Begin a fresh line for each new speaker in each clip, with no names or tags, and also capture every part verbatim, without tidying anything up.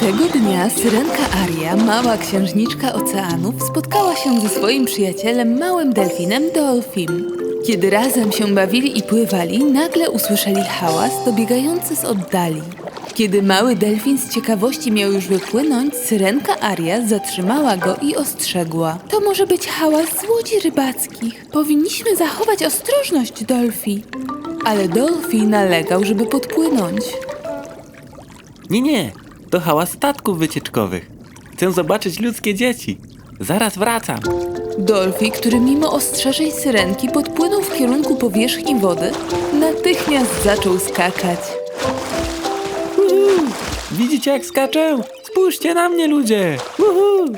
Tego dnia syrenka Aria, mała księżniczka oceanów, spotkała się ze swoim przyjacielem, małym delfinem Dolfim. Kiedy razem się bawili i pływali, nagle usłyszeli hałas dobiegający z oddali. Kiedy mały delfin z ciekawości miał już wypłynąć, syrenka Aria zatrzymała go i ostrzegła. To może być hałas z łodzi rybackich. Powinniśmy zachować ostrożność, Dolfi. Ale Dolfi nalegał, żeby podpłynąć.
Nie, nie, to hałas statków wycieczkowych. Chcę zobaczyć ludzkie dzieci. Zaraz wracam.
Dolfi, który mimo ostrzeżeń syrenki podpłynął w kierunku powierzchni wody, natychmiast zaczął skakać.
Uhu, widzicie jak skaczę? Spójrzcie na mnie, ludzie! Uhu.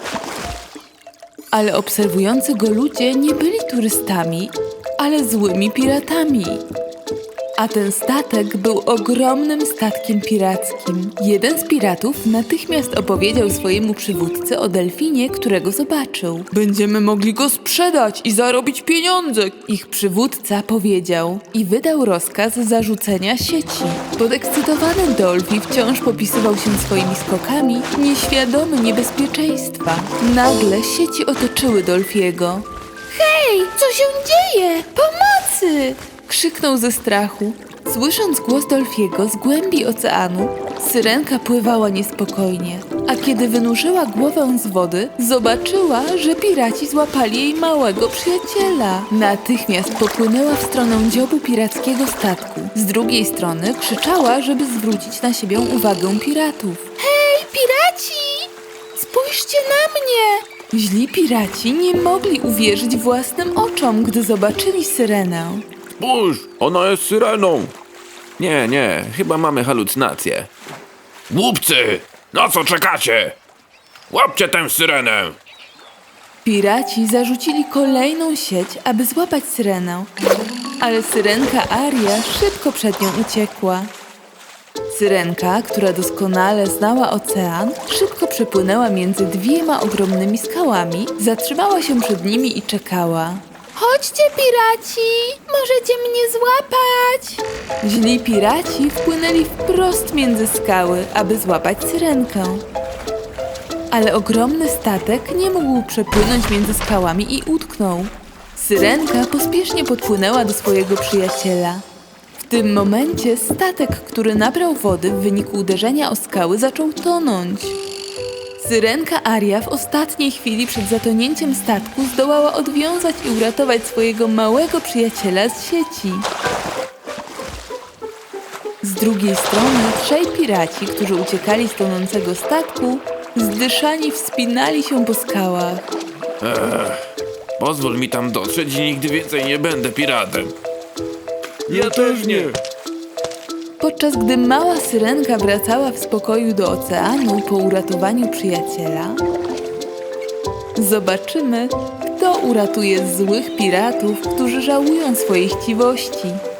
Ale obserwujący go ludzie nie byli turystami, ale złymi piratami. A ten statek był ogromnym statkiem pirackim. Jeden z piratów natychmiast opowiedział swojemu przywódcy o delfinie, którego zobaczył. Będziemy mogli go sprzedać i zarobić pieniądze, ich przywódca powiedział i wydał rozkaz zarzucenia sieci. Podekscytowany Dolfi wciąż popisywał się swoimi skokami, nieświadomy niebezpieczeństwa. Nagle sieci otoczyły Dolfiego. Hej, co się dzieje? Pomocy! Krzyknął ze strachu. Słysząc głos Dolfiego z głębi oceanu, syrenka pływała niespokojnie, a kiedy wynurzyła głowę z wody, zobaczyła, że piraci złapali jej małego przyjaciela. Natychmiast popłynęła w stronę dziobu pirackiego statku. Z drugiej strony krzyczała, żeby zwrócić na siebie uwagę piratów. Hej, piraci! Spójrzcie na mnie! Źli piraci nie mogli uwierzyć własnym oczom, gdy zobaczyli syrenę.
Spójrz, ona jest syreną. Nie, nie, chyba mamy halucynację. Głupcy, na co czekacie? Łapcie tę syrenę.
Piraci zarzucili kolejną sieć, aby złapać syrenę, ale syrenka Aria szybko przed nią uciekła. Syrenka, która doskonale znała ocean, szybko przepłynęła między dwiema ogromnymi skałami, zatrzymała się przed nimi i czekała. Chodźcie, piraci! Możecie mnie złapać! Źli piraci wpłynęli wprost między skały, aby złapać syrenkę. Ale ogromny statek nie mógł przepłynąć między skałami i utknął. Syrenka pospiesznie podpłynęła do swojego przyjaciela. W tym momencie statek, który nabrał wody w wyniku uderzenia o skały, zaczął tonąć. Syrenka Aria w ostatniej chwili przed zatonięciem statku zdołała odwiązać i uratować swojego małego przyjaciela z sieci. Z drugiej strony trzej piraci, którzy uciekali z tonącego statku, zdyszani wspinali się po skałach.
Pozwól mi tam dotrzeć i nigdy więcej nie będę piratem.
Ja też nie.
Podczas gdy mała syrenka wracała w spokoju do oceanu po uratowaniu przyjaciela, zobaczymy, kto uratuje złych piratów, którzy żałują swojej chciwości.